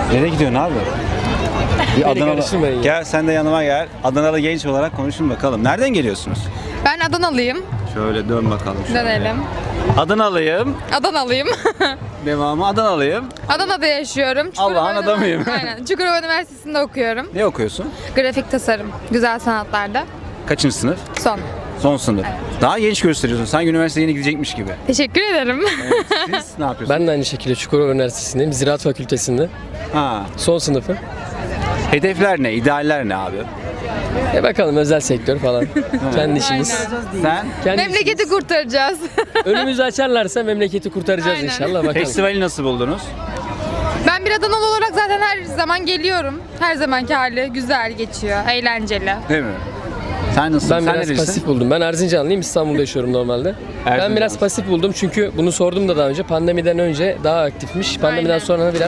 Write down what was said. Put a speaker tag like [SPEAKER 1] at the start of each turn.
[SPEAKER 1] Nereye gidiyorsun abi? Bir Adanalı.
[SPEAKER 2] karıştırmayın.
[SPEAKER 1] Gel sen de yanıma gel. Adanalı genç olarak konuşun bakalım. Nereden geliyorsunuz?
[SPEAKER 3] Ben Adanalıyım.
[SPEAKER 1] Şöyle dön bakalım. Şöyle.
[SPEAKER 3] Dönelim.
[SPEAKER 1] Adanalıyım.
[SPEAKER 3] Adanalıyım.
[SPEAKER 1] Devamı Adanalıyım.
[SPEAKER 3] Adana'da yaşıyorum.
[SPEAKER 1] Allah'ın adamıyım.
[SPEAKER 3] Aynen. Çukurova Üniversitesi'nde okuyorum.
[SPEAKER 1] Ne okuyorsun?
[SPEAKER 3] Grafik tasarım, güzel sanatlarda.
[SPEAKER 1] Kaçıncı sınıf?
[SPEAKER 3] Son.
[SPEAKER 1] Son sınıf. Daha genç gösteriyorsun. Sanki üniversiteye yeni gidecekmiş gibi.
[SPEAKER 3] Teşekkür ederim.
[SPEAKER 1] Siz ne yapıyorsunuz?
[SPEAKER 2] Ben de aynı şekilde Çukurova Üniversitesi'ndeyim. Ziraat Fakültesi'nde.
[SPEAKER 1] Ha.
[SPEAKER 2] Son sınıfım.
[SPEAKER 1] Hedefler ne? İdealler ne abi?
[SPEAKER 2] Bakalım özel sektör falan. Kendi işimiz.
[SPEAKER 1] Sen?
[SPEAKER 2] Kendi
[SPEAKER 3] Memleketi kurtaracağız.
[SPEAKER 2] işimiz. Önümüzü açarlarsa memleketi kurtaracağız
[SPEAKER 3] Aynen.
[SPEAKER 2] inşallah. Bakalım.
[SPEAKER 1] Festivali nasıl buldunuz?
[SPEAKER 3] Ben bir Adanalı olarak zaten her zaman geliyorum. Her zamanki hali güzel geçiyor, eğlenceli.
[SPEAKER 1] Değil mi? Sen nasılsın?
[SPEAKER 2] Ben
[SPEAKER 1] Sen
[SPEAKER 2] biraz
[SPEAKER 1] nerelisin?
[SPEAKER 2] pasif buldum. Ben Erzincanlıyım. İstanbul'da yaşıyorum normalde. Ben biraz pasif buldum çünkü bunu sordum da daha önce. Pandemiden önce daha aktifmiş. Pandemiden
[SPEAKER 3] Aynen.
[SPEAKER 2] sonra biraz